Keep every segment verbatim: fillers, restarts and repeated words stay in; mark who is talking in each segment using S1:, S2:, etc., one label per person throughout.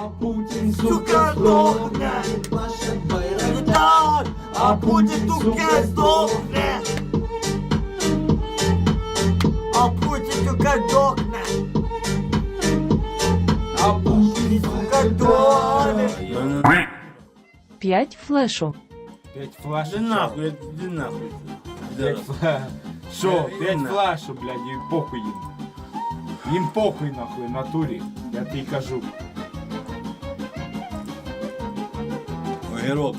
S1: А Путін, сука, здохне. А Путін, сука, здохне. А Путін, сука, здохне. А Путін, сука, здохне.
S2: П'ять флешу.
S3: П'ять флеш.
S4: Іди нахуй, іди нахуй.
S3: П'ять флеш. Що,
S4: Е,
S3: п'ять
S4: на.
S3: флешу, блядь, і похуй їм. Їм похуй нахуй, натурі. Я тобі кажу.
S4: Огірок.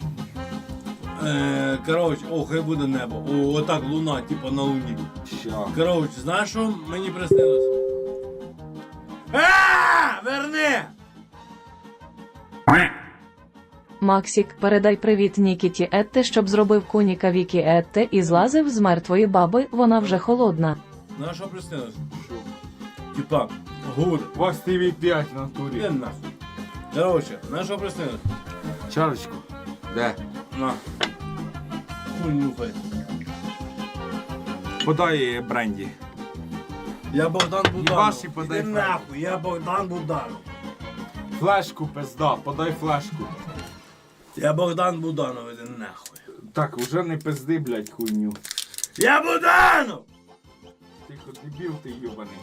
S4: Е, коротше, о, хай буде небо. О, отак луна, типа на луні.
S3: Що?
S4: Коротше, знаєш, що мені приснилось? А, верни!
S2: Максік, передай привіт Нікіті Етте, щоб зробив куніка Вікі Етте і злазив з мертвої баби, вона вже холодна.
S4: Знаєш, що приснилось?
S3: Що?
S4: Типа, гур.
S3: У вас ті ві п'ять в
S4: Іди
S3: натурі.
S4: нахуй. Коротше, знаєш, що приснилось?
S3: Чарочку. Де?
S4: На. Хуй нюхай.
S3: Подай бренді.
S4: Я Богдан Буданов.
S3: Їбаш і подай
S4: Іди
S3: флешку.
S4: нахуй, я Богдан Буданов.
S3: Флешку, пизда, подай флешку.
S4: Я Богдан Буданов, іди нахуй.
S3: Так, уже не пизди, блядь, хуйню.
S4: Я Буданов!
S3: Тихо, дебіл ти йобаний.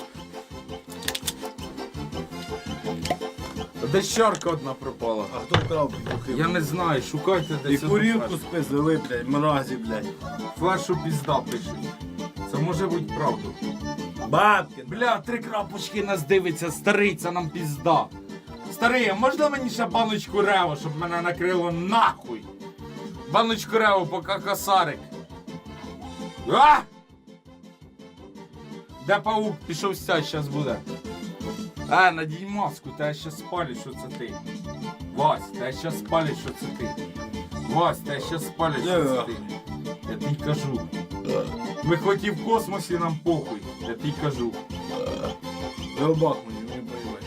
S3: Де щарка одна пропала?
S4: А хто вкрав петухи?
S3: Я не знаю, шукайте
S4: І
S3: десь. одну
S4: курівку
S3: флешку.
S4: спиздили, блядь, мразі, блядь.
S3: Флешу пізда пише. Це може бути правда.
S4: Бабки,
S3: Бля, три крапочки нас дивиться, старий, це нам пізда. Старий, а можна мені ще баночку рево, щоб мене накрило нахуй? Баночку рево, поки косарик. А! Де паук? Пішов сядь, щас буде. А, надій маску, тебе ще спалять, що це ти. Вась, тебе ще спалять, що це ти. Вась, тебе ще спалять, що це ти. Я тобі кажу. Ми хоч і в космосі, нам похуй. Я тобі кажу.
S4: Рыбак мені, не понимаешь.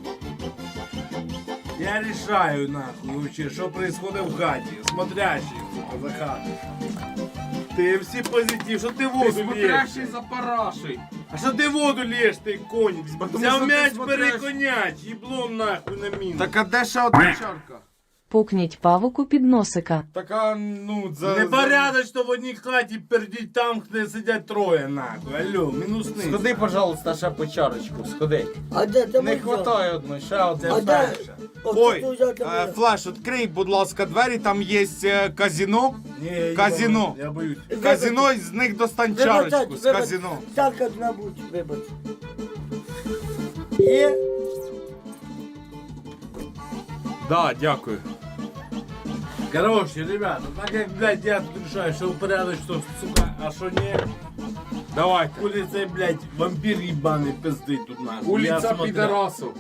S4: Я решаю, нахуй, вообще, что происходит в хате. Смотрящий, сука, за хату. Ты все позитив, что ты
S3: Ти
S4: воду
S3: смотрящий
S4: льешь?
S3: за парашей.
S4: А что ты воду льешь, ты коник?
S3: Потому
S4: Взял
S3: что ты
S4: мяч,
S3: смотрящий.
S4: переконять, еблом нахуй на мину.
S3: Так а де ще одна чарка?
S2: Пукніть павуку під носика.
S3: Така, ну, за...
S4: Непорядочно в одній хаті пердіть там, де сидять троє, нахуй. Алло, мінусний.
S3: Сходи, пожалуйста, ще по чарочку, сходи.
S5: А де ти
S3: Не хватає одної, ще
S4: Це
S3: одна.
S5: А де?
S4: перше.
S3: Ой,
S5: От тут взяти
S3: е,
S5: мене.
S3: Флеш, відкрий, будь ласка, двері, там є е, казино.
S4: Ні, я
S3: Казино.
S4: їбану, Я боюсь.
S3: Казино, з них достань
S5: Вибачайте,
S3: чарочку, з
S5: вибач-
S3: казино.
S5: Чарка набудь, вибач. Є?
S3: Да, дякую.
S4: Короче, ребята, так як, блядь, я тут решаю, що порядок, що, сука, а що не,
S3: Давайте.
S4: хули цей, блядь, вампір їбаний пиздить тут нахуй. Я
S3: Улиця
S4: смотрю.
S3: підарасу.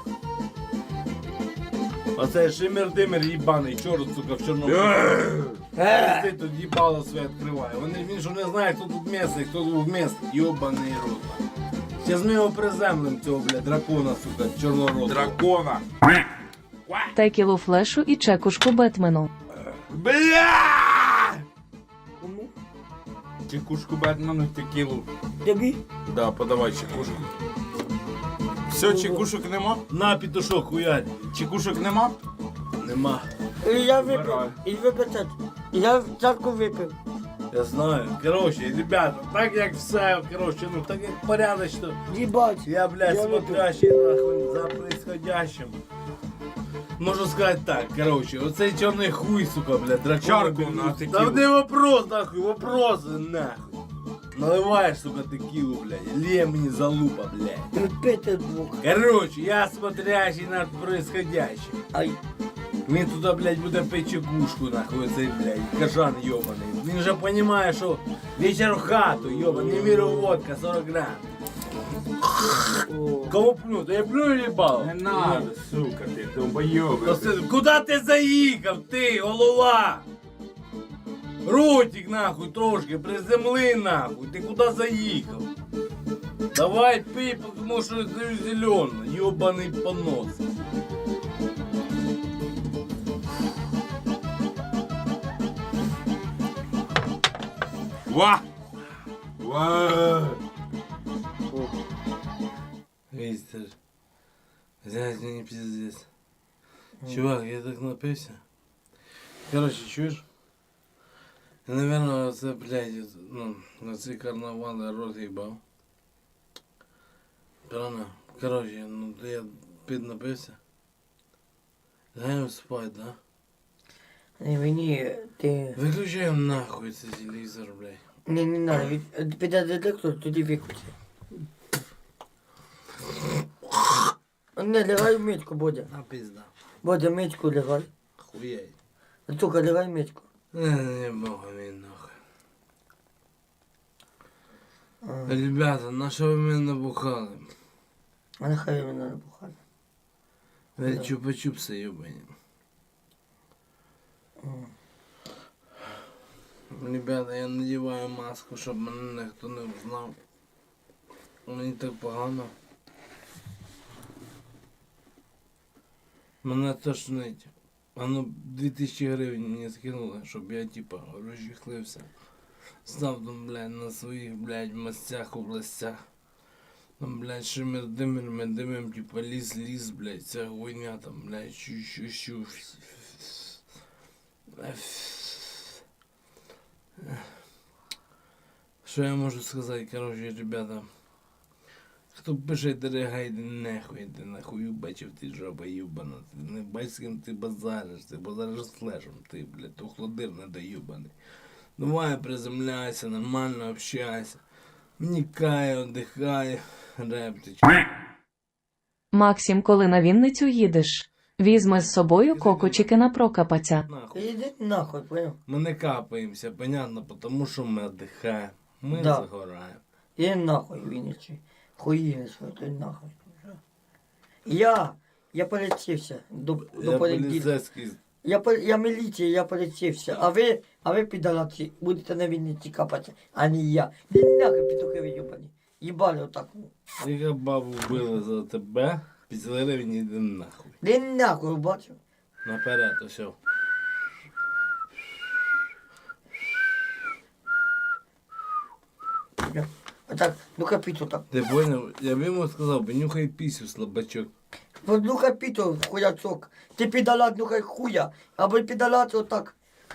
S4: Оцей шимер-димер їбаний, чорт, сука, в чорному.
S5: Е,
S4: Пиздить тут їбало своє відкриває. Вони, він що не знає, хто тут місце, хто тут місце. Йобаний рот. Зараз ми його приземлим, цього, блядь, дракона, сука, чорноротого.
S3: Дракона.
S2: Текілу флешу і чекушку Бетмену.
S3: Бля!
S5: кому?
S3: Чекушку Бетмену, текілу.
S5: Тобі?
S3: Да, подавай чекушку. Все, чекушок нема?
S4: На, петушок, хуярь.
S3: Чекушок нема?
S4: Нема.
S5: І я випив.
S3: Вмираю.
S5: І виписати. Я чарку випив.
S4: Я знаю. Короче, ребята, так як все, короче, ну, так як порядочно.
S5: Їбать.
S4: Я, блядь,
S5: Я
S4: смотрящий нахуй за происходящим. Можу сказати так, короче, оцей чорний хуй, сука, блядь, дракон.
S3: Чарку на текілу.
S4: Та не вопрос, нахуй, вопрос, нахуй. Наливаєш, сука, текілу, блядь, лє мені залупа, блядь.
S5: Припити двох.
S4: Короче, я смотрящий над происходящим.
S5: Ай.
S4: Він туди, блядь, буде пити чекушку, нахуй, оцей, блядь, кажан йобаний. Він же розуміє, що вечір в хату, йобаний, міру водка, сорок грам.
S5: О.
S4: Кого плю? Та я плю или бал?
S3: Не надо, сука, ти
S4: То
S3: долбойоби.
S4: си- Куда ти заїхав, ти, голова? Ротик, нахуй, трошки, приземли, нахуй, ти куди заїхав? Давай пий, тому що ти зелено, йобаний понос.
S3: Ва! Ва!
S4: 哎 Містер. Зять, мені пиздец. Чувак, я так напився. Короче, чуєш? Я, наверное, це, блядь, ну, на ці карнавали рот їбав. Правильно? Короче, ну, я піднапився. Лягаємо спать, да?
S5: Не, мені, ти...
S4: Виключаємо нахуй цей телевізор, блядь.
S5: Не, не надо, від- піде детектор, тоді виключи. Не, лягай в митку, Бодя.
S4: А пизда.
S5: Бодя, митку лягай.
S4: Хуєй.
S5: Тільки лягай в митку.
S4: Не, не бога мені нахуй. Ребята, на що ви мене набухали?
S5: А нехай мене не бухає.
S4: Ви чупа-чупси, йобані. Ребята, я надіваю маску, щоб мене ніхто не взнав. Мені так погано. Мене тошнить. А ну дві тисячі гривень мені скинули, щоб я типа розжихлився. Став там, блядь, на своїх, блядь, місцях, областях. Там, блядь, шимер, димер, ми димем, типа ліс, ліс, блядь, ця хуйня там, блядь, щу-щу-щу. Що я можу сказати, короче, ребята. Хто пише дерегайди, нахуй, ти нахуй бачив, ти жаба юбана. Ти не бачиш, з ким ти базариш, ти базариш з флешем, ти, блядь, то хлодир недоюбаний. Давай приземляйся, нормально общайся. Вникай, отдихай, рептич.
S2: Максим, коли на Вінницю їдеш, візьми з собою кокочики на прокапаця.
S4: Нахуй.
S5: Іди нахуй, понял?
S4: Ми не капаємося, понятно, тому що ми отдихаємо. Ми
S5: Да.
S4: загораємо.
S5: Іди нахуй, Вінничі. Хуїнець, ти нахуй. Я, я полетівся до, до
S4: Я
S5: понеділка.
S4: поліцейський.
S5: Я, по- я міліція, я полетівся. А ви, а ви підараці, будете на Вінниці капати, а не я. Ти нахуй петухи йобані. Їбали отак.
S4: Яка бабу вбили за тебе, після гривень іди нахуй.
S5: Ти нахуй, бачив?
S4: Наперед, ось.
S5: Отак, ну капіту так.
S4: Ти поняв? Я б йому сказав, понюхай пісю, слабачок.
S5: Ну капіту, хуяцок. Ти підалат, ну хай хуя. Або підалат отак.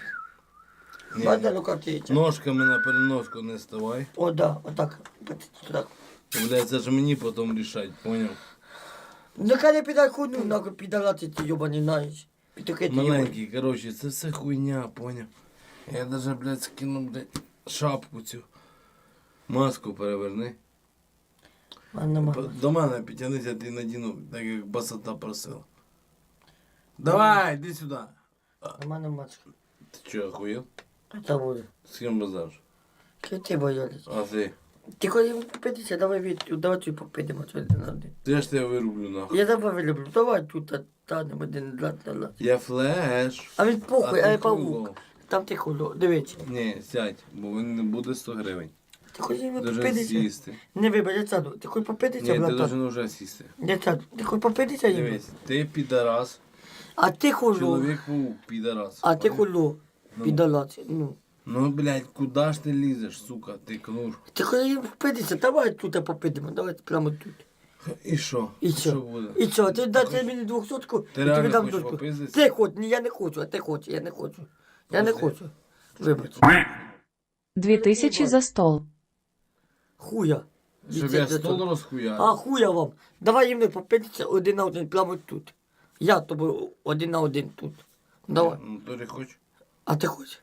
S4: Ні.
S5: Бачите, ну капіту.
S4: Ножками на переноску не ставай.
S5: О, да, отак. Так.
S4: Блядь, це ж мені потім рішать, поняв?
S5: Ну хай не підай хуйню, нахуй підалати ті йобані, знаєш. Петухи ті йобані.
S4: Маленький, коротше, це все хуйня, поняв? Я даже, блядь, скину, блядь, шапку цю. Маску переверни.
S5: А нема.
S4: П- До мене підтягнися, ти надіну, так як басата просила. Давай, іди сюди.
S5: Нема нема.
S4: Ти чого, охуєв?
S5: Це буде.
S4: З ким базариш?
S5: Ки ти боялись?
S4: А ти?
S5: Ти коли попитися, давай від, давай тут попитимо один на один.
S4: Я ж тебе вирублю, нахуй.
S5: Я тебе люблю, давай тут та- танемо один ла ла ла.
S4: Я флеш.
S5: А він похуй, а
S4: ти
S5: я павук.
S4: хуйло.
S5: Там ти хуло, дивіться.
S4: Ні, сядь, бо він не буде сто гривень.
S5: Ти хоч не
S4: Дуже
S5: попитися?
S4: сісти.
S5: Не вибач, я сяду. Ти хоч попитися,
S4: Ні, ти
S5: братан?
S4: должен вже сісти.
S5: Я сяду. Ти хоч попитися, їм?
S4: Дивись, ти підарас,
S5: А ти хуло.
S4: чоловік-паук підарас.
S5: А ти хуло.
S4: Ну.
S5: Підалаці, ну.
S4: Ну, блядь, куди ж ти лізеш, сука, ти кнур?
S5: Ти хоч не попитися, давай тут попитимо, давай прямо тут.
S4: І що?
S5: І що?
S4: буде?
S5: І що, ти дати мені двохсотку,
S4: Ти
S5: і
S4: реально
S5: тобі дам
S4: хочеш
S5: дочку.
S4: попиздитися?
S5: Ти хоч, ні, я не хочу, а ти хочеш, я не хочу. Я не
S4: Пусти.
S5: хочу. Вибач.
S2: Дві тисячі за стол.
S5: Хуя.
S4: Щоб
S5: Це-
S4: я
S5: це
S4: стол
S5: то.
S4: розхуяв.
S5: А хуя вам. Давай їм не попитися один на один, прямо тут. Я тобі один на один тут. Давай.
S4: Ну, то не хочу.
S5: А ти хочеш?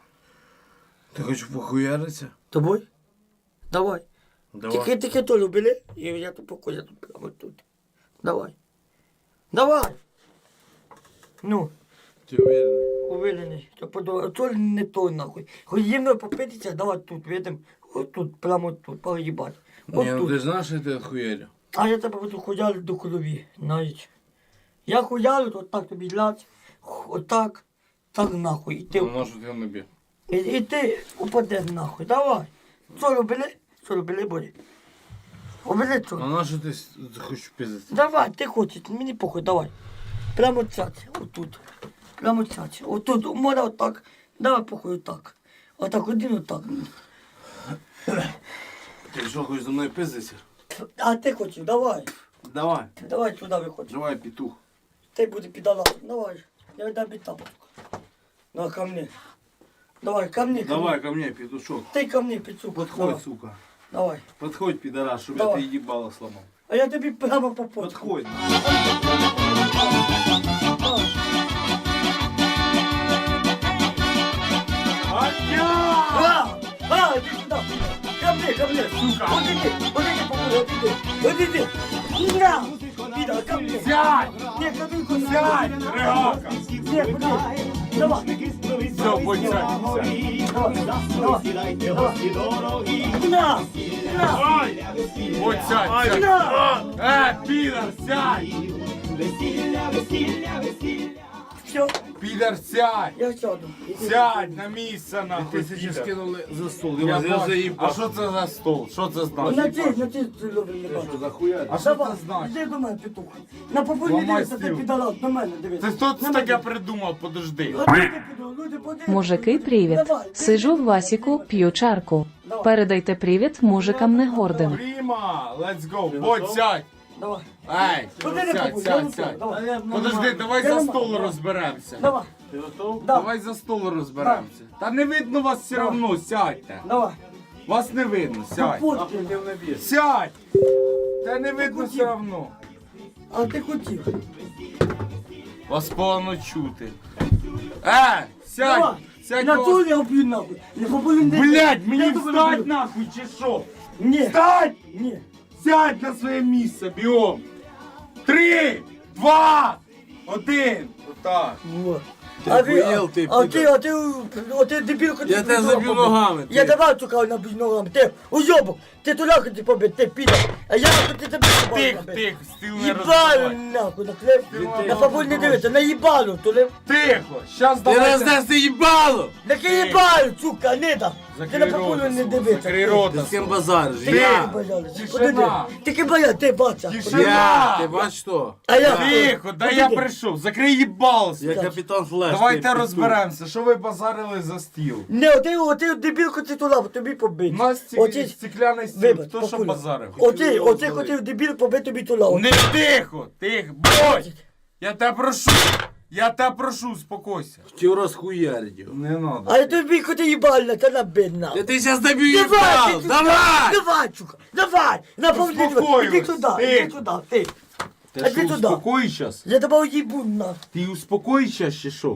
S4: Ти хочеш похуяритися?
S5: Тобой? Давай.
S4: Давай.
S5: Тільки тільки то любили, і я тут покою тут прямо тут. Давай. Давай. Ну,
S4: Ти уверений?
S5: уверений, що подобає. То не то нахуй. Хоч їм не попитися, давай тут, видим. От тут, прямо тут, поїбать. От
S4: Ні, ну
S5: тут.
S4: ти ж знаєш, що ти хуярю.
S5: А я тебе буду хуяли до голові, знаєш. Я хуялю, то так тобі лять, отак, так нахуй. І ти,
S4: Ну, на що ти не б'є?
S5: і, і ти упадеш нахуй. Давай. Що робили? Що робили, Борі? Робили що?
S4: А на що ти с- хочеш пиздити?
S5: Давай, ти хочеш, мені похуй, давай. Прямо цяць, отут. Прямо цяць. Отут, у мене отак. Давай похуй отак. Отак, один отак.
S4: Ти що, хочеш зі мною пиздитися?
S5: А ти хочеш, давай.
S4: Давай,
S5: Давай сюди виходь.
S4: давай, петух.
S5: Ти буде підалат. Давай. Я віддам тобі тапочку. Давай ко мне. Давай, ко мне. ко
S4: Давай
S5: мне.
S4: ко мне, петушок.
S5: Ти ко мне, пицук.
S4: Подходь,
S5: Давай.
S4: сука.
S5: Давай.
S4: Подходь, пидорас, чтобы я
S5: Давай.
S4: ты ебало сломал.
S5: А я тобі прямо по почку.
S4: Подходь.
S5: А, а, иди сюда. Ко мне, ко мне.
S1: Сука.
S5: Вот иди, вот иди, папуля, вот иди. Вот иди. На. Вида, ко мне.
S1: Сядь!
S5: Не, копейку на.
S1: Сядь, Ригака!
S5: Не, ходи. Давай.
S1: Все, будь сядь.
S5: Давай, давай. На. На.
S1: Будь сядь, сядь.
S5: На.
S1: Е, підар, сядь!
S5: Все,
S1: Підар, сядь!
S5: я сяду. Иди.
S1: Сядь на місце, нахуй,
S4: Тысячи
S1: підар.
S4: скинули за стол.
S1: Я
S4: Я, я
S1: бачу. А
S4: заебал.
S1: що це за стол? Що це
S5: На
S1: значить?
S5: ти, на ти, ти любиш не
S4: Что
S5: бачиш.
S4: за хуя?
S1: А що
S5: Давай,
S1: це значить?
S5: іди до мене, петух. На попульні
S1: Ламай
S5: дивися, ти
S1: стіл.
S5: підалат, на мене дивися.
S1: Це хто це
S5: На
S1: таке
S5: мене.
S1: придумав? Подожди.
S5: А ти піду, люди подивляться.
S2: Мужики, привіт.
S5: Давай, ти-
S2: Сижу в Васіку, п'ю чарку. Передайте привіт мужикам не гордим.
S1: Пріма, let's go. Будь, сядь.
S5: Давай,
S1: Ей,
S5: Подожди,
S1: сядь,
S5: папуль, я
S1: сядь,
S5: не
S1: сядь.
S5: давай.
S1: Подожди, давай
S5: Я
S1: за
S5: не
S1: стол
S5: можу.
S1: розберемося.
S5: Давай,
S4: Ты готов?
S5: да,
S1: Давай за стол розберемося. Та не видно вас все
S5: Давай.
S1: одно, сядьте.
S5: давай.
S1: Вас не видно, сядь.
S5: Фотки.
S1: Сядь! Та не видно все одно.
S5: А ти хотів.
S1: Вас погано чути. Е, сядь!
S5: Давай,
S1: Сядь,
S5: на
S1: вас-
S5: ту я вб'ю нахуй. Не популін дивися.
S1: Блядь, мені
S5: Я тебе
S1: встать
S5: люблю.
S1: нахуй, чи що?
S5: Ні,
S1: Встать!
S5: ні.
S1: Сядь на своє місце, біом! Три, два, один. Отак.
S5: Вот.
S4: Ти
S5: А ви,
S4: охуєл, ти,
S5: а ти,
S4: підар?
S5: а ти, а ти дебілка, ти
S4: Я тебе
S5: піду
S4: заб'ю
S5: побив.
S4: ногами, ти.
S5: Я тебе цукав набив ногами, ти уйобок, ти туди хотів побити, ти піде. А я хотів тебе
S1: Тих,
S5: побити.
S1: тих, стіл не
S5: Їбалю
S1: розбивай.
S5: нахуй, на хлеб,
S1: Ти-
S5: на бабуль не дивиться, на їбалю, туди.
S1: Тихо, щас
S4: Ты
S1: давайте.
S4: раздашь ебало!
S5: На їбалю, сука, не да. Ти
S1: Закрий
S5: на бабулю
S1: рота,
S5: не
S1: сука,
S5: дивиться.
S1: закрий
S5: ти.
S1: рота.
S4: Ты с кем базаришь?
S5: Ти
S1: Я.
S4: Я!
S5: не боялась.
S1: Тишина.
S5: Подиди. Ти боя, ти бача.
S1: Тишина.
S4: Я! Ты бачишь что?
S5: А я
S1: Тихо, да я прийшов, закрий їбал.
S4: Я капитан Флэш. ты
S1: Давайте
S4: петух.
S1: розберемося, що ви базарили за стіл.
S5: Не, оти, оти дебілку ти туди, тобі побити.
S1: У нас
S5: Оті-
S1: стік... стекляний стіл,
S5: Вибач,
S1: хто що
S5: покуля.
S1: базарив?
S5: Оти, оти хотів дебіл побити тобі туди.
S1: Не тихо, тихо, будь! Я тебе прошу, я тебе прошу, успокойся.
S4: Хотел расхуярить его.
S1: Не надо.
S5: А я тобі хотів їбальна, та на бідна.
S4: Я тебе сейчас добью
S5: Давай,
S4: ебал!
S5: ти-
S4: Давай!
S5: Давай, чука, давай! На повні
S1: Успокоїлась,
S5: іди туди,
S1: ти.
S5: іди туди, ти.
S1: Ти
S5: А ти
S1: що,
S5: туди.
S1: успокой щас?
S5: Я тебе уїбу на.
S1: Ти успокой щас чи що?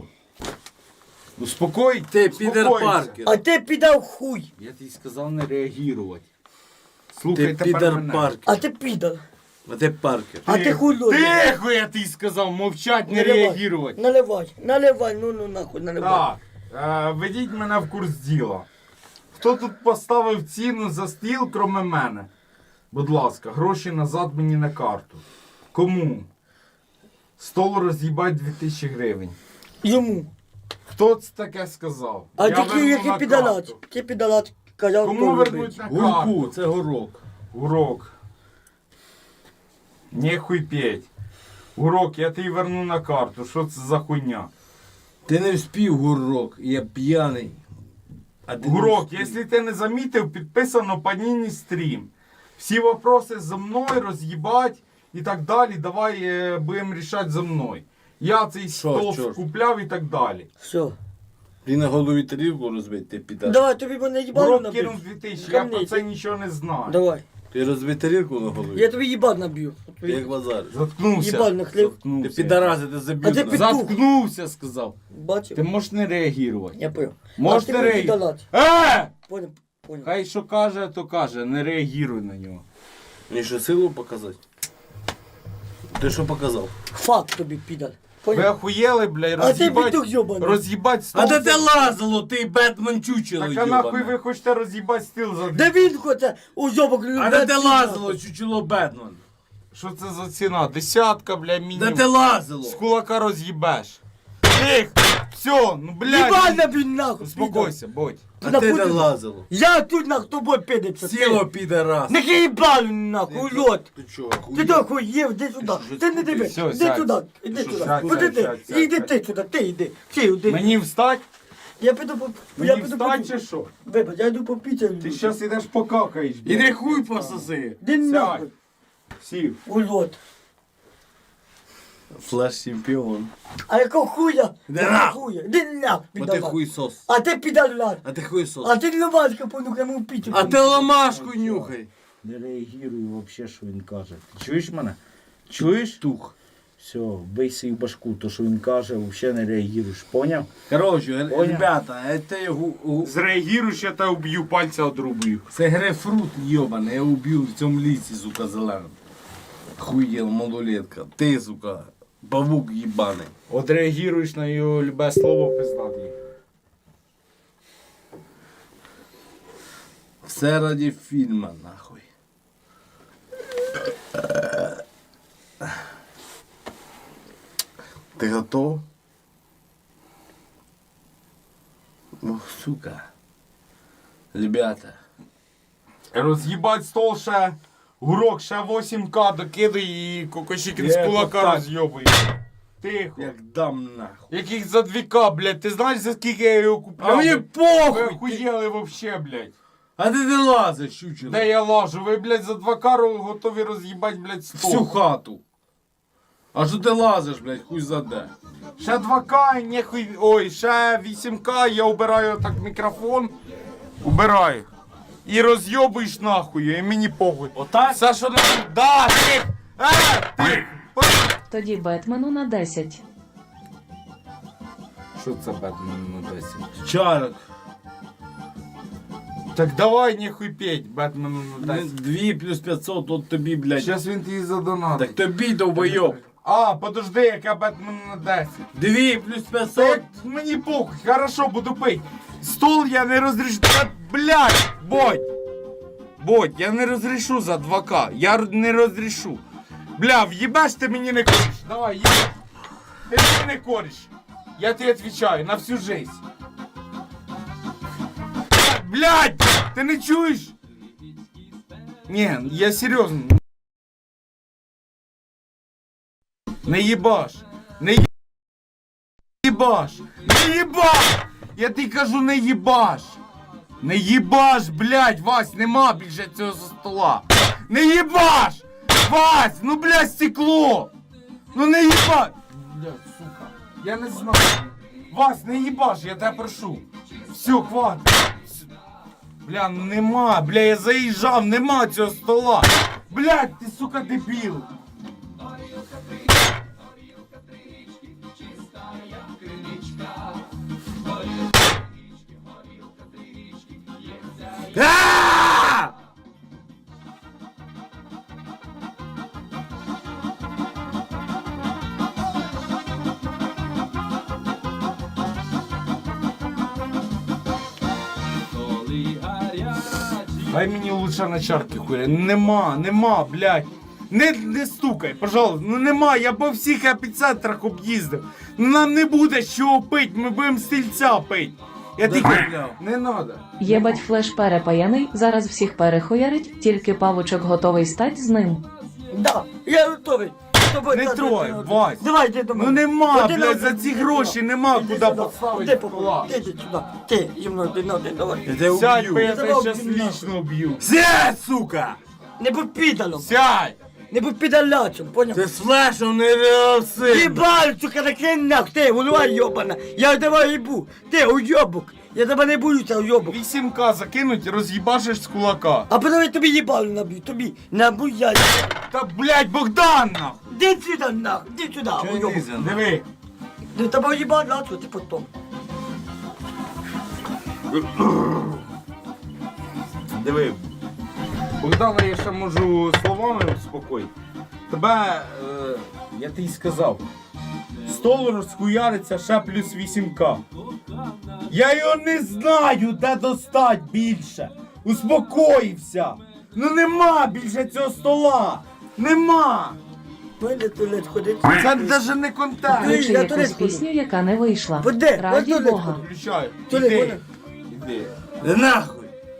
S1: Успокой,
S4: Ты пидор
S1: успокойся.
S4: Паркер.
S5: А ти підав хуй.
S1: Я тобі сказав не реагувати. Слухай
S4: Ты
S1: тепер
S4: пидор
S1: мене.
S4: Паркер.
S5: А ти підав.
S4: А ты Паркер.
S5: А ти хуй лозиш.
S1: Тихо, я тобі сказав, мовчать, не
S5: Наливай,
S1: реагувати.
S5: Наливай, наливай, ну ну нахуй, наливай.
S1: Так, е, ведіть мене в курс діла. Хто тут поставив ціну за стіл, кроме мене? Будь ласка, гроші назад мені на карту. Кому? Стол роз'їбать дві тисячі гривень.
S5: Йому.
S1: Хто це таке сказав?
S5: А
S1: Я
S5: ти
S1: верну
S5: який
S1: на
S5: підалат?
S1: карту.
S5: Ти підалат казав,
S1: Кому
S5: хто
S1: вернуть
S5: робить.
S1: на
S4: Гурку,
S1: карту?
S4: це горок.
S1: Урок. Нехуй петь. Урок, я тобі верну на карту. Що це за хуйня?
S4: Ти не вспів, гурок, я п'яний. А ти не
S1: Урок,
S4: вспів.
S1: якщо ти не замітив, підписано Паніні стрім. Всі вопроси за мною роз'їбать і так далі. Давай е, будемо рішати за мною. Я цей стол
S4: чорт?
S1: купляв і так далі.
S5: Все.
S4: Ти на голові тарілку розбити, ти підар.
S5: Давай, тобі мене їбало
S1: Урок
S5: набив.
S1: кинув дві тисячі, я
S5: Камні,
S1: про це
S5: ти-
S1: нічого не знаю.
S5: Давай.
S4: Ти розбий тарілку на голові.
S5: Я тобі їбал наб'ю.
S4: Ти як базариш.
S1: Заткнувся.
S5: Їбаль на хліб.
S4: Ти
S1: Заткнувся.
S4: підараз, ти
S5: А ти
S4: заб'ють.
S5: під-
S1: Заткнувся, сказав.
S5: Бачив?
S1: Ти можеш не реагувати.
S5: Я понял.
S1: Можеш
S5: А ти
S1: не
S5: мені
S1: реагувати.
S5: підалат.
S1: Е!
S5: Понял, понял.
S1: Хай що каже, то каже, не реагуй на нього.
S4: Мені що, силу показати? Ти що показав?
S5: Факт тобі підал.
S1: Ви
S5: Понял?
S1: охуєли, блядь,
S5: А ти
S1: роз'їбать,
S5: петух йобаний.
S1: роз'їбать стол.
S4: А де ти лазило, ти Бетмен чучело,
S1: Так а нахуй ви
S4: йобане?
S1: хочете роз'їбати стіл за
S5: Де він хоче уйобок
S4: А де ти лазило, чучело Бетмен?
S1: Що це за ціна? Десятка, бля,
S4: Де
S1: мінімум.
S4: ти лазило?
S1: З кулака роз'їбеш. Тих! Все, ну блядь.
S5: Їбаль набій нахуй.
S1: Успокойся, будь.
S4: А
S5: На
S4: ти де
S5: пудрі.
S4: лазило?
S5: Я тут нахуй тобою підеться.
S4: Сіло, підарас.
S5: Не їбалю нахуй, ульот.
S4: Ти чого,
S5: Ти
S4: хуй?
S5: так їв, іди сюди.
S4: що,
S5: Ти не дивись,
S1: Все,
S5: іди
S1: сядь.
S5: туди, іди
S1: Що,
S5: туди.
S1: сядь,
S5: Куди
S1: сядь,
S5: ти?
S1: сядь, сядь,
S5: Іди
S1: сядь.
S5: ти туди, ти йди. Ти йди.
S1: Мені встать?
S5: Я піду по...
S1: Мені
S5: Я піду
S1: встать чи
S5: по...
S1: що?
S5: Вибач, я йду по піцю.
S1: Ти зараз ідеш покакаєш, блядь.
S4: Іди хуй пососи.
S5: Іди нахуй.
S1: Сів.
S5: Урод.
S4: Флеш чемпіон.
S5: А якого хуя?
S4: Де
S5: Якого
S4: нахуй?
S5: хуя? Де нахуй,
S4: Бо ти
S5: підарас?
S4: хуйсос.
S5: А ти підарас.
S4: А ти хуйсос.
S5: А ти ломашка понюхай мою пітю.
S4: А ти ламашку нюхай.
S6: Не реагірую вообще, що він каже. Ти чуєш мене? Чуєш?
S4: Тух.
S6: Все, бий свій башку, то що він каже, взагалі не реагуєш. Поняв?
S4: Короче,
S6: Понял.
S4: ребята, это гу- гу-
S1: Зреагіруєш, я тебе уб'ю, пальця одрубую.
S4: це грейпфрут йобаний, я убив в цьому лісі, сука, зеленим. Хуєл, малолетка. Ти, сука, павук їбаний.
S1: Отреагіруєш на його любе слово, пиздатий.
S4: Все раді фільма, нахуй. Ти готов? Ох, сука. Ребята.
S1: Роз'їбать стол ще, гурок ще вісім ка докидай і кокошікін з
S4: Є,
S1: кулака
S4: так.
S1: роз'йобує. Тихо.
S4: Як дам нахуй.
S1: Яких за дві ка, блядь, ти знаєш за скільки я його купляв?
S4: А мені
S1: Ви
S4: похуй! ти-
S1: охуєли вообще, блядь.
S4: А ти не лазиш, щучина.
S1: Де я лажу? Ви, блядь, за два ка готові роз'їбать, блядь, стол.
S4: Всю хату. А що ти лазиш, блядь, хуй заде.
S1: Ще два ка, і нехуй, ой, ще вісім ка, я убираю так мікрофон, убираю. І роз'йобуєш нахуй, і мені похуй.
S4: Отак?
S1: Все, що не... Да, ти! Е, ти!
S2: Тоді Бетмену на десять.
S1: Що це Бетмен на десять?
S4: Чарок.
S1: Так давай нехуй петь, Бетмен на десять.
S4: Дві плюс п'ятсот, от тобі, блядь.
S1: Зараз він тобі задонатить.
S4: Так тобі, довбойоб.
S1: А, подожди, яка Бетмен на десять.
S4: Дві плюс
S1: Та
S4: п'ятсот.
S1: як мені похуй, хорошо, буду пить. Стол я не розрішу. Та, блядь, бодь. Бодь, я не розрішу за два ка. Я р- не розрішу. Бля, в'їбеш ти мені не кориш. Давай, їбеш. Ти мені не кориш. Я тобі відповідаю на всю жизнь. Та, блядь, ти не чуєш? Ні, я серйозно. Не їбаш. Не їбаш. їбаш! Не їбаш! Я тобі кажу, не їбаш! Не їбаш, блядь, Вась, нема більше цього за стола! Не їбаш! Вась, ну блядь, стекло! Ну не їбаш! Блядь, сука, я не знаю. Вась, не їбаш, я тебе прошу. Все, хватить. Бля, ну нема, бля, я заїжджав, нема цього стола. Блядь, ти, сука, дебіл. А! Дай мені лучше на чарки хуя. Нема, нема, блядь. Не, не стукай, пожалуйста. Ну нема, я по всіх епіцентрах об'їздив. Ну нам не буде що пить, ми будемо стільця пить. Я тільки... Не надо.
S2: Єбать флеш перепаяний, зараз всіх перехуярить, тільки павучок готовий стать з ним.
S5: Да, я готовий. З тобою
S1: Не
S5: так,
S1: трой,
S5: так, так.
S1: Вась.
S5: Давай, йди до мене.
S1: Ну нема,
S5: Іди
S1: блядь,
S5: на-
S1: за ці
S5: іди
S1: гроші
S5: сюди.
S1: нема
S5: Іди
S1: куди
S5: сюди.
S1: поставити
S5: Іди попробуй.
S1: стола.
S5: Іди сюди. Ти, зі мною один на один, давай.
S4: Я тебе
S1: Сядь, бо я
S4: уб'ю.
S1: тебе
S5: Давай,
S1: щас
S5: блядь.
S1: лічно б'ю.
S4: Сядь, сука!
S5: Не будь підалом.
S1: Сядь!
S5: Не будь підалячом, поняв?
S4: Ти з флешем не реалси.
S5: Їбаль, сука, накинь нах, ти, голова йобана. Я тебе їбу. Ти, уйобок. Я тебе не боюся, уйобок.
S1: вісім ка закинуть, роз'їбашиш з кулака.
S5: А потім я тобі їбалю наб'ю, тобі наб'ю я.
S1: Та, блядь, Богдан, нахуй!
S5: Іди сюди, нах, іди сюди, уйобок.
S1: Диви.
S5: Не тебе їбалю, а що ти потім?
S1: Диви. Богдана я ще можу словами успокоїти. Тебе, е, я тобі сказав, стол розхуяриться ще плюс вісім ка. Я його не знаю, де достать більше. Успокоївся. Ну нема більше цього стола. Нема.
S5: Пойди туалет ходити.
S1: Це навіть не контент.
S2: Включи
S5: я
S2: якусь
S5: туалет ходжу.
S2: пісню, яка не вийшла.
S5: Ходи,
S2: Раді
S5: я туалет
S2: Бога.
S5: ходжу.
S1: Включаю.
S5: Туалет,
S1: Іди.
S5: вона.
S1: Іди.
S4: Да нахуй.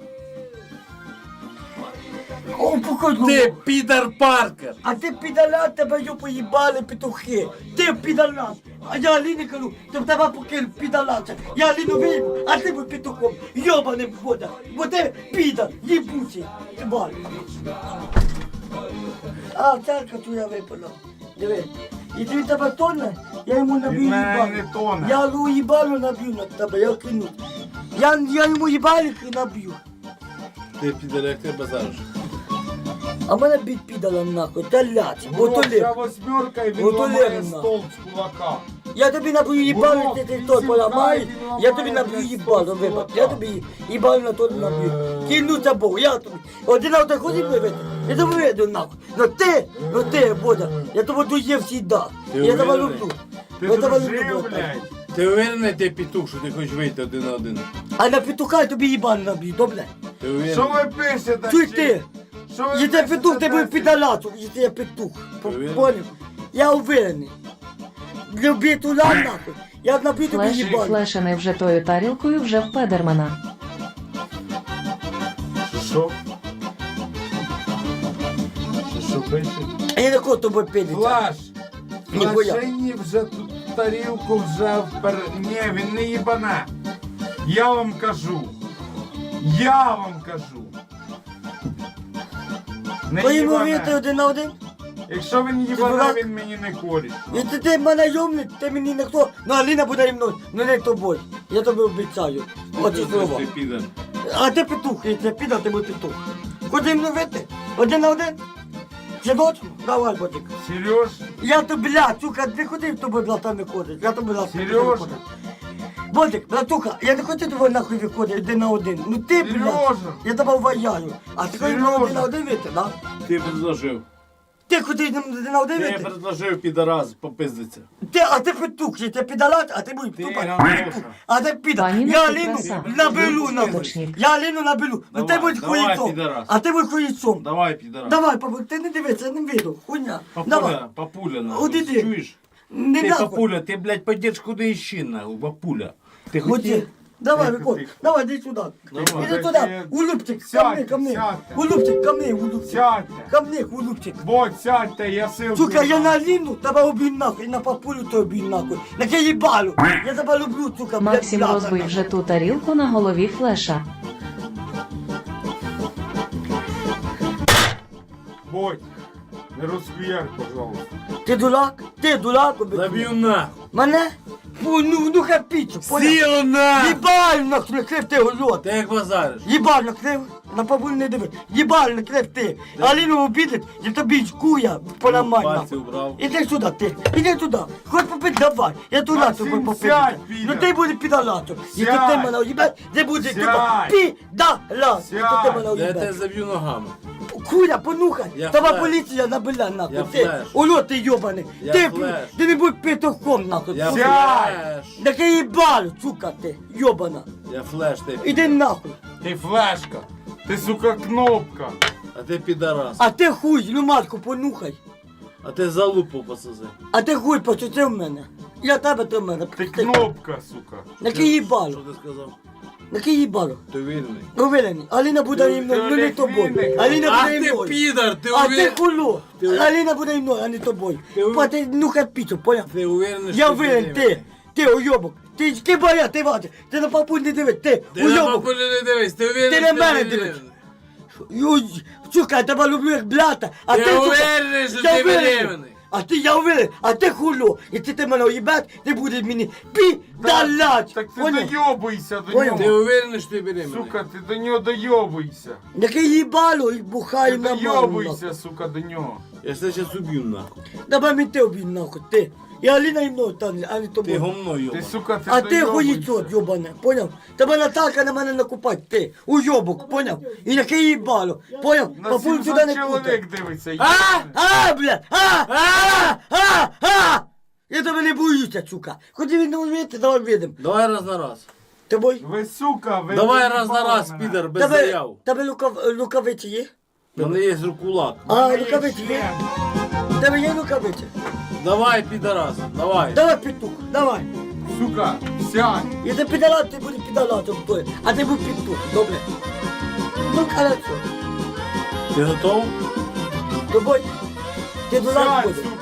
S5: О, походу.
S4: Ти Підер Паркер.
S5: А ти підалят, тебе йо поїбали петухи. Ти підалат. А я Аліні кажу, ти в тебе покину підалат. Я Аліну вийму, а ти будь петухом. Йобаним вода. Бо ти підар, їбучий. Ти бай. А, церква твоя випала. Диви. І ти в тебе тоне, я йому наб'ю
S1: Від мене
S5: їбалю.
S1: не тоне.
S5: Я йому їбалю наб'ю на тебе, я клянусь. Я, я йому їбалик і наб'ю.
S4: Ти піде, як ти базариш.
S5: А мене бить підала нахуй, та ляч, бо то
S1: Урод, ця
S5: леп.
S1: восьмерка і він
S5: Ото
S1: ламає
S5: левна.
S1: стол з кулака.
S5: Я тобі наб'ю їбалю,
S1: Урод,
S5: ти ти
S1: він
S5: той
S1: сідає,
S5: поламаєш,
S1: він
S5: я
S1: ламає,
S5: тобі наб'ю
S1: блядь,
S5: їбалю,
S1: стол з
S5: вибач.
S1: кулака.
S5: Я тобі їбалю на то наб'ю. Кинуться Бог, я тобі. Один на один ходив вибити, я тобі вийду нахуй. Ну ти, ну ти, Бодя, я тебе дує всіда.
S4: Ти
S5: Я тебе
S4: уверений?
S5: люблю.
S1: Ти
S5: Я тебе люблю,
S1: дружив,
S5: братан.
S1: блядь.
S4: Ти уверений, ти петух, що ти хочеш вийти один на один?
S5: А на петуха я тобі їбалю наб'ю, добре?
S4: Ти уверений?
S1: Що ви пишете?
S5: Чуй
S1: чи-
S5: ти,
S1: Що ви
S5: якщо
S1: пишете,
S5: петух, ти будеш
S1: Десять?
S5: підалату, якщо я петух.
S4: Уверен?
S5: Понял? Я уверений. Люби туди нахуй. Я наб'ю тобі
S2: Флеш,
S5: їбалю.
S2: флешений вже тою тарілкою вже в Педермана.
S1: Що? Що, що пише?
S5: А я на кого тобою підеться?
S1: Флеш!
S5: Ніхуя.
S1: Флешині вже тут тарілку вже впер... Ні, він не їбане. Я вам кажу. Я вам кажу. Не
S5: Твої мовити
S1: їбане.
S5: один на один?
S1: Якщо він їбане,
S5: дурак?
S1: він мені не коріш.
S5: І ти, ти мене йомний, ти мені не хто. Ну Аліна буде зі мною, ну не тобою. Я тобі обіцяю. Оці слова.
S4: Ти піде.
S5: А ти петух, якщо я піду, ти будеш петух. Ходи мною вити? Один на один? Чи точно? Давай, ботик.
S1: Сереж,
S5: Я тобі, бля, сука, не ходи в тобою, блата, не ходить. Я тобі, блата,
S1: Сережа.
S5: Ботик, братуха, я не хочу тобою нахуй виходити один на один. Ну ти, бля,
S1: Сережа.
S5: я тебе вважаю. А ти хочеш на
S1: Сережа.
S5: один на один вийти, да?
S4: Ти предложив.
S5: Ти хочеш на один на один
S4: Ти
S5: вийти?
S4: предложив підараз, попиздиться.
S5: Ти, а ти петух, я тебе підалат, а ти будеш
S1: Ти,
S5: тупо.
S1: Ганюша.
S5: А ти піда.
S2: Пані
S5: Я
S2: Настя,
S5: Аліну
S2: краса.
S5: набелю нахуй.
S2: Вибачник.
S5: Я Аліну набелю. Ну ти
S4: Давай,
S5: будь
S4: давай,
S5: хуїцом.
S4: підарас.
S5: А ти будь хуїцом.
S4: Давай, підараз.
S5: Давай, папа, ти не дивися, я не виду. Хуйня. Давай.
S4: Папуля, папуля, нахуй.
S5: От іди.
S4: Чуєш?
S5: Не
S4: Ти
S5: нахуй.
S4: папуля, ти, блядь, подєш куди іще, нахуй, папуля. Ти
S5: Ході.
S4: хотів?
S5: Давай,
S1: Тихо,
S5: виходь.
S1: тихо.
S5: Давай, іди сюди.
S4: Давай.
S5: Іди туди. Улюбчик, ко
S1: Сядьте,
S5: мне, ко мне.
S1: сядьте.
S5: Улюбчик, ко мне, улюбчик.
S1: Сядьте.
S5: Ко мне, улюбчик.
S1: Вот, сядьте, я сил.
S5: Сука, я на Аліну тебе обій нахуй, на папулю тебе обій нахуй. На тебе їбалю. Я тебе люблю, сука, блядь,
S2: Максим
S5: блядь,
S2: розбив
S5: нахуй.
S2: вже ту тарілку на голові флеша.
S1: Бодь, не розхуяр, пожалуйста.
S5: Ти дурак? Ти дурак, обій.
S4: Заб'ю нахуй.
S5: Мене? Фу, ну, ну хапічу, понял?
S4: Сіло нахуй!
S5: Їбаль накрив ти, гольот.
S4: Ти як базариш?
S5: Їбаль накрив, на папуль не диви. Їбаль накрив ти. Аліну обідать, я тобі куя поламай
S4: Пальці
S5: нахуй.
S4: убрав.
S5: Іди сюди, ти, іди туди. Хоч попити, давай. Я туди
S1: Максим,
S5: тобі попити.
S1: сядь, піде.
S5: Ну ти буде підалатом. Якщо ти
S1: Сядь.
S5: мене уїбать, ти буде
S1: Сядь.
S5: підалат. Якщо ти
S1: Сядь.
S5: мене
S4: Я тебе
S5: уїбать.
S4: заб'ю ногами.
S5: Куля, понюхай.
S4: Я
S5: Тебе
S4: флеш.
S5: поліція набила нахуй.
S4: Я
S5: Ти,
S4: флеш.
S5: ульот ти йобаний.
S4: Я
S5: Ти,
S4: флеш.
S5: ти не будь петухом нахуй.
S4: Я
S5: Сука.
S4: флеш.
S5: Так я їбалю, сука ти, йобана.
S4: Я флеш, ти.
S5: Іди нахуй.
S1: Ти флешка. Ти, сука, кнопка.
S4: А ти підарас.
S5: А ти хуй, ну матку понюхай.
S4: А ти залупу посази.
S5: А ти хуй почути в мене. Я тебе ти в мене.
S1: Ти кнопка, сука.
S5: На ки їбалю.
S4: Що ти сказав?
S5: На ки їбалю.
S4: Ти вільний.
S5: Уверений. Аліна буде
S1: Ти-
S5: зі мною,
S1: ти
S5: ну не
S1: Олег
S5: тобою.
S1: Вінник.
S5: Аліна
S4: Ах
S5: буде зі
S4: ти
S5: мною.
S4: підар, ти
S5: А ти
S4: уверений?
S5: хуло.
S4: Ти-
S5: Аліна буде зі мною, а не тобою.
S4: Ти уверен-
S5: Па ти ну піцу, поняв?
S4: Ти уверений, що
S5: Я
S4: ти
S5: уверен,
S4: вільний?
S5: ти. Ти уйобок. Ти, ти боя, ти вати. Ти на папуль не дивись, ти
S4: Ти на
S5: уйобок.
S4: папулю не дивись, ти уверений,
S5: Ти на
S4: що
S5: мене
S4: вільний?
S5: дивись. Юй, сука, я тебе люблю як блята. А
S4: Ти
S5: ти, сука,
S4: уверений, що
S5: я
S4: ти
S5: уверений.
S4: беременний?
S5: А ти, я уверен, а ти хуло. Якщо ти мене уїбать, ти будеш мені підалять.
S1: Так ти
S5: Поняв?
S1: дойобуйся до
S5: Поняв?
S4: Ти
S1: нього.
S4: уверений, що ти беременний?
S1: Сука, ти до нього дойобуйся.
S5: Яке їбало і
S1: Ти
S5: бухаю на маму.
S1: дойобуйся, сука, до нього.
S4: Я тебе зараз уб'ю нахуй.
S5: Давай мені ти обій нахуй, ти. І Аліна і мною там, а не
S4: Ти
S5: тобою.
S4: гомно
S1: Ти,
S4: йоба.
S1: сука, ти
S5: А ти
S1: дойобуйся.
S5: хуїцот, йобане, поняв? Тебе Наталка на мене накупать, ти, уйобок, поняв? І яке їбало, поняв?
S1: На
S5: Папуль туди
S1: сімсот
S5: не путай.
S1: чоловік дивиться.
S5: А,
S1: їбане.
S5: а, бля, а, а, а, а! Я тебе не боюся, сука. Ходи від мене вийти, давай видим.
S4: Давай раз на раз.
S5: Тобой?
S1: Ви, сука, ви...
S4: Давай раз на
S1: доїбали
S4: раз,
S1: мене.
S4: підар, без
S5: Тебе,
S4: заяв.
S5: тебе лукав, рукавиці є?
S4: У мене є рукулак.
S5: А,
S1: Мене є
S5: рукавиці є?
S1: член.
S5: Тебе є рукавиці?
S4: Давай, підарас, давай.
S5: Давай, петух, давай.
S1: Сука, сядь.
S5: І ти підалат, ти буде підалатом той, а ти був петух, добре? Ну, хорошо.
S4: Ти готов?
S5: Тобой, ти дурак
S1: Сядь,
S5: буде.
S1: сука.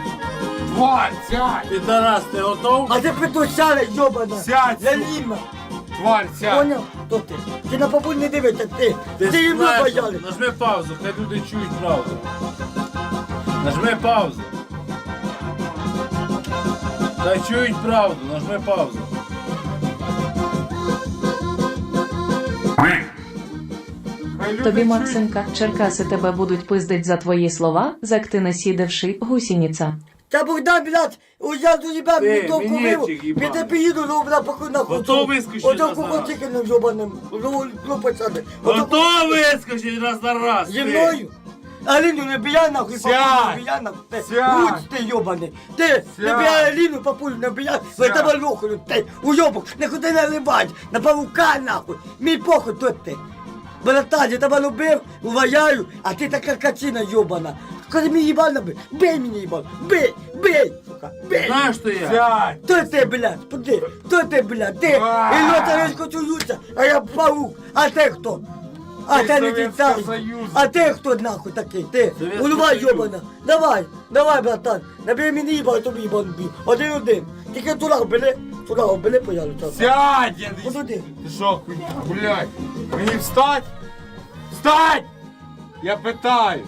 S1: Тварь, сядь.
S4: Підарас, ти готов?
S5: А ти петух сяде, йобана.
S1: Сядь,
S5: Я
S1: сука.
S5: ліма.
S1: Тварь, сядь.
S5: Поняв? Хто ти? Ти на папуль не дивишся, ти. Ти,
S4: Ти
S5: їм
S4: знаєш,
S5: бояли.
S4: нажми паузу, хай люди чують правду. Нажми паузу. Та чують правду, нажми паузу.
S1: Хай люди
S2: Тобі,
S1: чують.
S2: Максимка, Черкаси тебе будуть пиздить за твої слова, зак ти не сідевши, гусініця.
S5: Та Богдан, блядь, я до тебе
S4: Ти,
S5: мені довку
S4: мінетчик
S5: виву,
S4: їбаний.
S5: я тебе їду, ну, блядь, похуй нахуй.
S4: Ото вискочи
S5: Ото
S4: раз на раз.
S5: кукотикиним йобаним, ну, ну, пацани.
S4: Ото вискочить раз на раз.
S5: Зі
S4: ти.
S5: мною? Аліну не бияй нахуй,
S1: Сядь!
S5: папулю не бияй нахуй. Ти,
S1: Сядь!
S5: Гуць ти йобаний. Ти, не
S1: Сядь!
S5: бияй Аліну, папулю не бияй. Ви
S1: Сядь!
S5: тебе лохаю, ти, уйобок, не ходи не либать, на павука нахуй. Мій похуй тут ти. Братан, я тебе любив, уважаю, а ти така качина йобана. Коли мені їбана бий, бей мені їбан, бей, бей, сука, бей.
S4: Знаєш, що я?
S1: Сядь!
S5: Хто ти, блядь, поди, хто ти, блядь, ти,
S1: А!
S5: і лотаречко чуються, а я паук, а ти хто? А
S1: Ти
S5: ти не
S1: Совєтського
S5: дітей,
S1: Союзу.
S5: а ти хто нахуй такий, ти,
S4: Совєтський
S5: голова
S4: Союз.
S5: йобана, давай, давай, братан, набери мені їбан, тобі їбан бій, один-один, тільки тура бери, тура бери, пожалуйста.
S1: Сядь! Я не...
S5: От один.
S1: Ти що, хуй, блядь? Мені встать? Встать! Я питаю.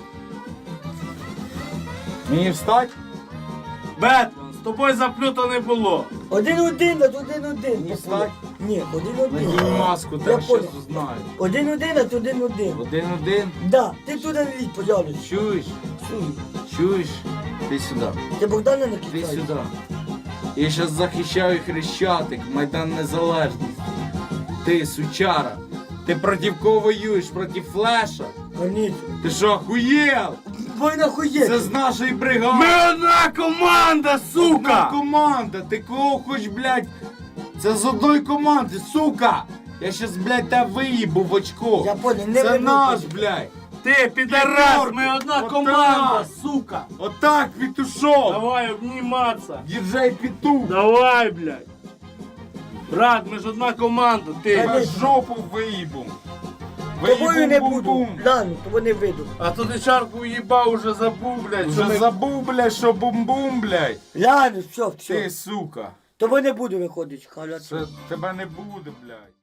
S1: Мені встать?
S4: Бетмен, з тобою заплюто не було.
S5: Один-один, а один-один.
S1: Не встать?
S5: Ні, один-один.
S1: Надій маску,
S5: Я
S1: так
S5: понял.
S1: щас узнаю.
S5: Один-один, а один-один.
S1: Один-один.
S5: Да, ти туди не лізь, пожалуйста.
S1: Чуєш?
S5: Суй.
S1: Чуєш? Ти сюди.
S5: Ти Богдана не
S1: Ти
S5: кидай.
S1: сюди. Я зараз захищаю Хрещатик, Майдан Незалежності. Ти, сучара. Ти проти кого воюєш? Проти Флеша?
S5: Конечно.
S1: Ти що, охуєл?
S5: Ви нахуєте.
S1: Це з нашої бригади.
S4: Ми одна команда,
S1: Одна
S4: сука!
S1: команда, ти кого хоч, блядь? Це з одної команди, сука! Я щас, блядь, тебе виїбу в очко.
S5: Я понял, не
S1: Це
S5: вибухай.
S1: наш, блядь.
S4: Ти, підарас,
S1: П'ятерку.
S4: ми одна
S1: Отак.
S4: команда, сука!
S1: Отак, петушок.
S4: Давай обніматися.
S1: Діджей петух.
S4: Давай, блядь. Брат, ми ж одна команда, ти.
S1: Тебе жопу виїбу.
S5: Тобою не буду.
S1: Бум-бум-бум.
S5: Ладно, тобою не вийду.
S4: А то ти чарку уїбав, уже забув, блядь. що
S1: Вже
S4: ми-
S1: забув, блядь, що бум-бум, блядь.
S5: Ладно, все,
S1: Ти,
S5: все.
S1: сука.
S5: Тобою не буду виходити, халяться.
S1: Це тебе не буде, блядь.